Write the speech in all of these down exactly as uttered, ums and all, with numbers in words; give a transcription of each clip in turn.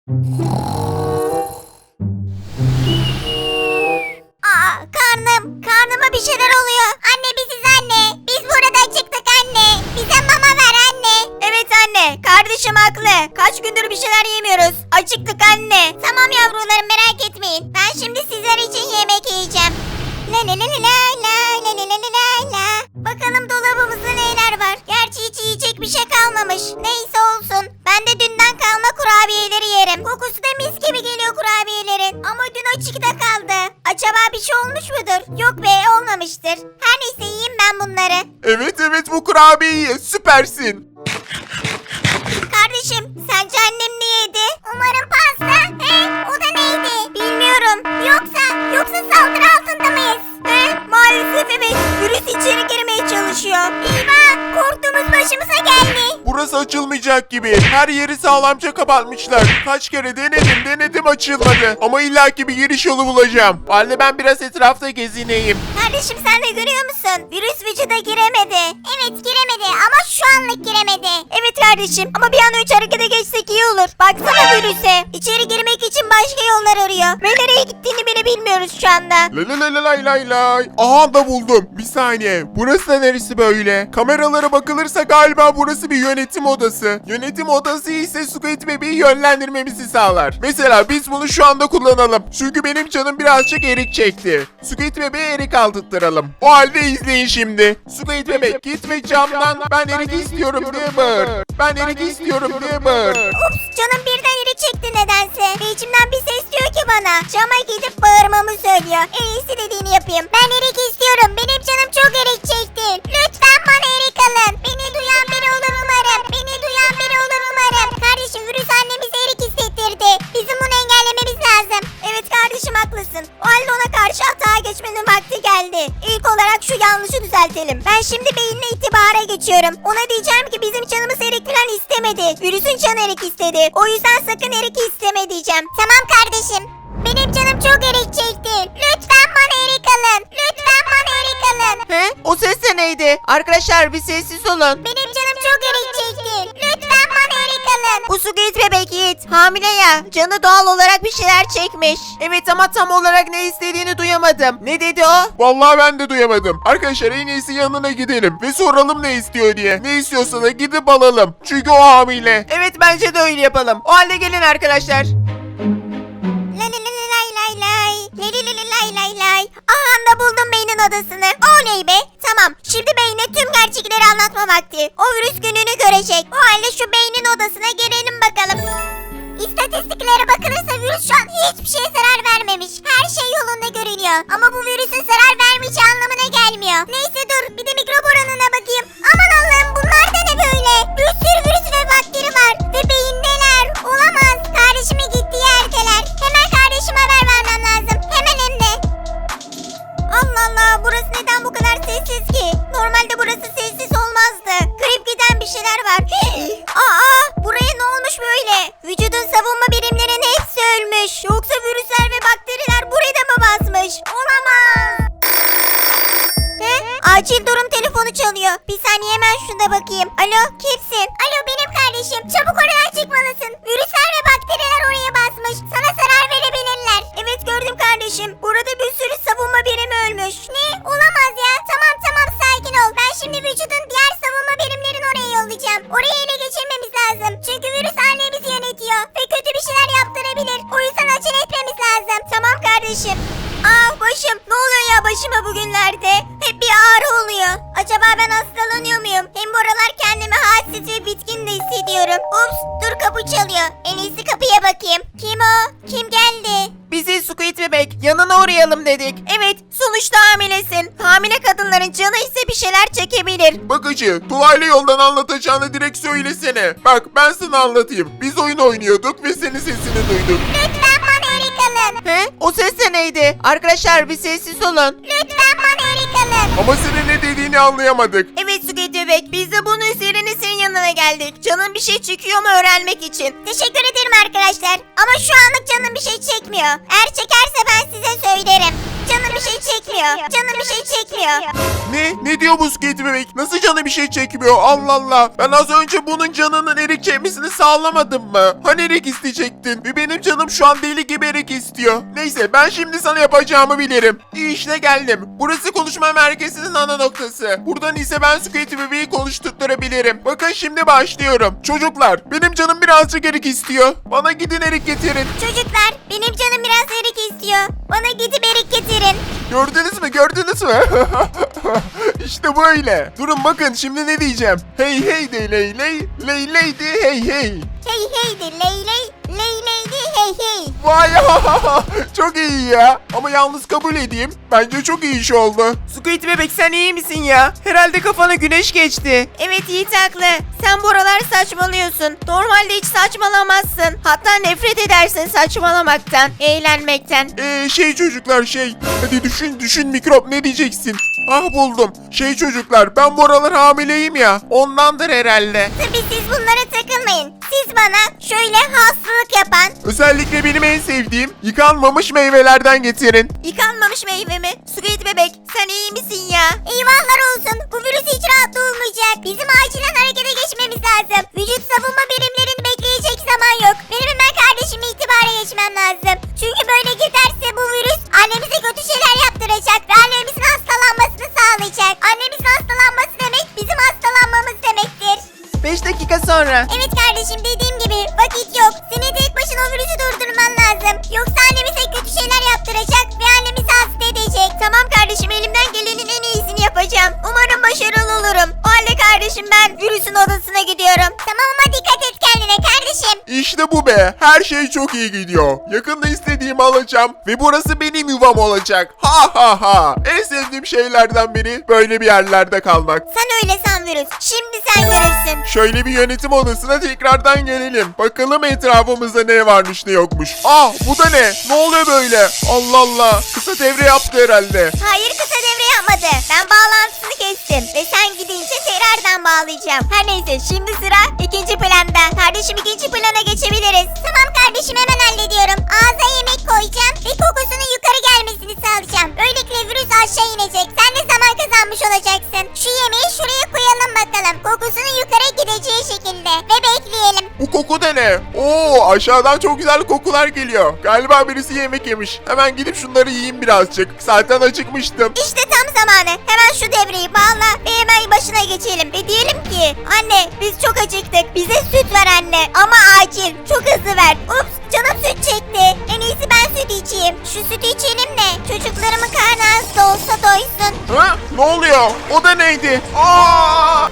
Aa, karnım, karnıma bir şeyler oluyor. Anne biziz anne. Biz burada çıktık anne. Bize mama ver anne. Evet anne, kardeşim haklı. Kaç gündür bir şeyler yemiyoruz. Acıktık anne. Tamam yavrularım merak etmeyin. Ben şimdi sizler için yemek yiyeceğim. La la la la la la la la la la la. Bakalım dolabımızda neler var. Gerçi hiç yiyecek bir şey kalmamış. Neyse olsun. Ben de dünden kalma kurabiyeleri yerim. Kokusu da mis gibi geliyor kurabiyelerin. Ama dün açıkta kaldı. Acaba bir şey olmuş mudur? Yok be olmamıştır. Her neyse yiyeyim ben bunları. Evet evet bu kurabiyeyi ye, süpersin. Kardeşim sence annem ne yedi? Umarım pasta. He? O da neydi? Bilmiyorum. Yoksa, yoksa saldırı altında mıyız? He? Maalesef evet. Virüs içeri girmeye çalışıyor. Eyvah! Korktuğumuz başımıza geldi. Burası açılmayacak gibi. Her yeri sağlamca kapatmışlar. Kaç kere denedim denedim açılmadı. Ama illaki bir giriş yolu bulacağım. O halde ben biraz etrafta gezineyim. Kardeşim sen de görüyor musun? Virüs vücuda giremedi. Evet giremedi ama şu anlık giremedi. Evet kardeşim ama bir an önce harekete geçsek iyi olur. Baksana virüse. İçeri girmek için başka yollar arıyor. Ve nereye gittiğini bile bilmiyoruz şu anda. La la la la lay lay lay. Aha da buldum. Bir saniye. Burası da neresi böyle? Kameralara bakılırsa galiba burası bir yönetim odası. Yönetim odası ise Squid Baby'yi yönlendirmemizi sağlar. Mesela biz bunu şu anda kullanalım. Çünkü benim canım birazcık erik çekti. Squid Baby'ye erik aldırtıralım. O halde izleyin şimdi. Squid Baby gitme camdan. Ben erik istiyorum diye bağır. Ben erik istiyorum diye bağır. Ups canım birden iri çekti nedense. Ve içimden bir ses diyor ki bana. Cama gidip bağırmamı söylüyor. En iyisi dediğini yapayım. Ben erik istiyorum. Benim canım çok erik çekti. Lütfen bana erik alın. Beni duyan biri olur umarım. Beni duyan biri olur umarım. Kardeşim virüs annemize erik hissettirdi. Bizim bunu engellememiz lazım. Evet kardeşim haklısın. O halde ona karşı hata geçmenin vakti geldi. İlk olarak şu yanlışı düzeltelim. Ben şimdi beyinle itibara geçiyorum. Ona diyeceğim ki bizim canımız erik falan istemedi. Virüsün canı erik istedi. O yüzden sakın erik isteme diyeceğim. Tamam kardeşim. Benim canım çok erik çekti. Lütfen bana erik alın. Lütfen bana erik alın. He? O ses de neydi? Arkadaşlar bir sessiz olun. Benim canım çok erik çekti. Lütfen bana erik alın. Bu Squid bebek Yiğit. Hamile ya. Canı doğal olarak bir şeyler çekmiş. Evet ama tam olarak ne istediğini duyamadım. Ne dedi o? Vallahi ben de duyamadım. Arkadaşlar en iyisi yanına gidelim ve soralım ne istiyor diye. Ne istiyorsa da gidip alalım. Çünkü o hamile. Evet bence de öyle yapalım. O halde gelin arkadaşlar. La la la la lay lay lay. La la la la lay lay lay. Aha da buldum beynin odasını. Oley be. Tamam. Şimdi beyne tüm gerçekleri anlatma vakti. O virüs gününü görecek. O halde şu beynin odasına girelim bakalım. İstatistiklere bakılırsa virüs şu an hiçbir şeye zarar vermemiş. Her şey yolunda görünüyor. Ama bu virüsün zarar vermeyeceği anlamına gelmiyor. Neyse dur bir de mikrop oranına bakayım. Aman Allah'ım bunlar da ne böyle? Bir sürü virüs ve bakteri var. Ve beyindeler. Olamaz. Kardeşime gittiği yerdeler. Hemen kardeşime haber vermem lazım. Hemen hem de. Allah Allah burası neden bu kadar sessiz ki? Normalde burası sessiz olmazdı. Grip giden bir şeyler var. Aa buraya ne olmuş böyle? Vücudun savunma birimlerinin hepsi ölmüş. Yoksa virüsler ve bakteriler buraya da mı basmış? Olamaz. He? Acil durum telefonu çalıyor. Bir saniye hemen şuna bakayım. Alo kimsin? Alo benim kardeşim. Çabuk oradan çıkmalısın. Virüsler ve bakteriler oraya basmış. Sana zarar verebilirler. Evet gördüm kardeşim. Burada bir sürü savunma birimi ölmüş. Ne? Olamaz ya. Tamam tamam sakin ol. Ben şimdi vücudun diğer savunma birimlerini oraya yollayacağım. Oraya ele geçirmemiz lazım. Çünkü virüs annemizi yönetiyor. Ve kötü bir şeyler yaptırabilir. O yüzden acele etmemiz lazım. Tamam kardeşim. Ah başım. Ne oluyor ya başıma bugünlerde? Hep bir ağrı oluyor. Acaba ben hastalanıyor muyum? Hem bu aralar kendimi halsiz ve bitkin de hissediyorum. Ups dur kapı çalıyor. En iyisi kapıya bakayım. Kim o? Kim geldi? Bizi Squid bebek yanına uğrayalım dedik. Evet sonuçta hamilesin. Hamile kadınların canı ise bir şeyler çekebilir. Bakıcı, dolaylı yoldan anlatacağını direkt söylesene. Bak ben sana anlatayım. Biz oyun oynuyorduk ve senin sesini duyduk. Lütfen bana erik alın. He? O ses de neydi? Arkadaşlar bir sessiz olun. Lütfen bana erik alın. Ama senin ne dediğini anlayamadık. Evet Squid bebek biz de bunun üzerine senin yanına geldik. Canın bir şey çekiyor mu öğrenmek için. Teşekkür ederim arkadaşlar. Ama şu anlık canım bir şey çekmiyor. Eğer çekerse ben size söylerim. Canım bir şey çekmiyor. Canım bir şey çekmiyor. Ne? Ne diyor bu Squid bebek? Nasıl canı bir şey çekmiyor? Allah Allah. Ben az önce bunun canının erik çekmesini sağlamadım mı? Hani erik isteyecektin? Ve benim canım şu an deli gibi erik istiyor. Neyse ben şimdi sana yapacağımı bilirim. İşte geldim. Burası konuşma merkezinin ana noktası. Buradan ise ben Squid bebeği konuşturtturabilirim. Bakın şimdi başlıyorum. Çocuklar benim canım birazcık erik istiyor. Bana gidin erik getirin. Çocuklar benim canım biraz erik istiyor. Bana gidip erik getirin. Gördünüz mü? Gördünüz mü? İşte böyle. Durun bakın şimdi ne diyeceğim. Hey hey de ley ley, ley ley de hey hey. Hey hey de ley ley, ley ley de hey hey. Vay çok iyi ya. Ama yalnız kabul edeyim. Bence çok iyi iş oldu. Squid bebek sen iyi misin ya? Herhalde kafana güneş geçti. Evet Yiğit haklı. Sen bu aralar saçmalıyorsun. Normalde hiç saçmalamazsın. Hatta nefret edersin saçmalamaktan, eğlenmekten. Ee, şey çocuklar şey. Hadi düşün düşün mikrop ne diyeceksin? Ah buldum. Şey çocuklar ben bu aralar hamileyim ya. Ondandır herhalde. Tabii siz bunlara takılmayın. Siz bana şöyle hastalık yapan, Özellikle benim en sevdiğim yıkanmamış meyvelerden getirin. Yıkanmamış meyve mi? Squid bebek sen iyi misin ya? eyvahlar olsun. Bu virüs hiç rahat olmayacak. Bizim acilen harekete geçmemiz lazım. Vücut savunma birimlerini bekleyecek zaman yok. Benim hemen kardeşimi itibara geçmem lazım. Çünkü böyle giderse bu virüs annemize kötü şeyler yaptıracak ve annemizin hastalanmasını sağlayacak. Annemizin hastalanması demek bizim hastalanmamız demektir. beş dakika sonra. Evet kardeşim dediğim gibi vakit yok. Senin tek başına o virüsü durdurman lazım. Yoksa annemize kötü şeyler yaptıracak ve annemizi hasta edecek. Tamam kardeşim elimden gelenin en iyisini yapacağım. Umarım başarılı olurum. O halde kardeşim ben virüsün odasına gidiyorum. Tamam ama dikkat et kendine kardeşim. İşte bu be. Her şey çok iyi gidiyor. Yakında istediğimi alacağım ve burası benim yuvam olacak. Ha ha ha. En sevdiğim şeylerden biri böyle bir yerlerde kalmak. Sen öyle san virüs. Şimdi sen görürsün. Şöyle bir yönetim odasına tekrardan gelelim. Bakalım etrafımızda ne varmış ne yokmuş. Ah bu da ne? Ne oluyor böyle? Allah Allah. Kısa devre yaptı herhalde. Hayır kısa devre yapmadı. Ben bağlantısını kestim. Ve sen gidince tekrardan bağlayacağım. Her neyse şimdi sıra ikinci planda. Kardeşim ikinci plana geçebiliriz. Tamam kardeşim hemen hallediyorum. Ağza yemek koyacağım ve kokusunun yukarı gelmesini sağlayacağım. Böylelikle virüs aşağı inecek. Sen de zaman kazanmış olacaksın. Şu yemeği şuraya koyalım bakalım. Kokusunun yukarı gideceği şekilde. Ve bekleyelim. Bu koku da ne? Oo aşağıdan çok güzel kokular geliyor. Galiba birisi yemek yemiş. Hemen gidip şunları yiyeyim birazcık. Zaten acıkmıştım. İşte tam zamanı. Hemen şu devreyi bağla ve hemen başına geçelim. Ve diyelim ki anne biz çok acıktık. Bize süt ver anne. Ama acil. Çok hızlı ver. Ups canım süt çekti. En iyisi ben süt içeyim. Şu sütü içelim de çocuklarımın karnı az da olsa doysun. Ha? Ne oluyor? O da neydi? Aa!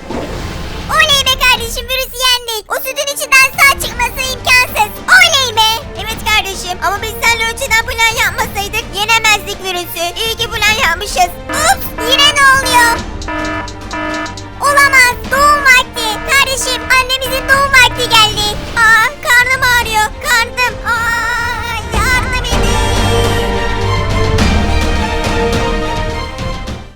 Oley be kardeşim virüsü yendik. O sütün içinden sağ çıkması imkansız. Oley be. Evet kardeşim ama biz seninle önceden plan yapmasaydık yenemezdik virüsü. İyi ki plan yapmışız.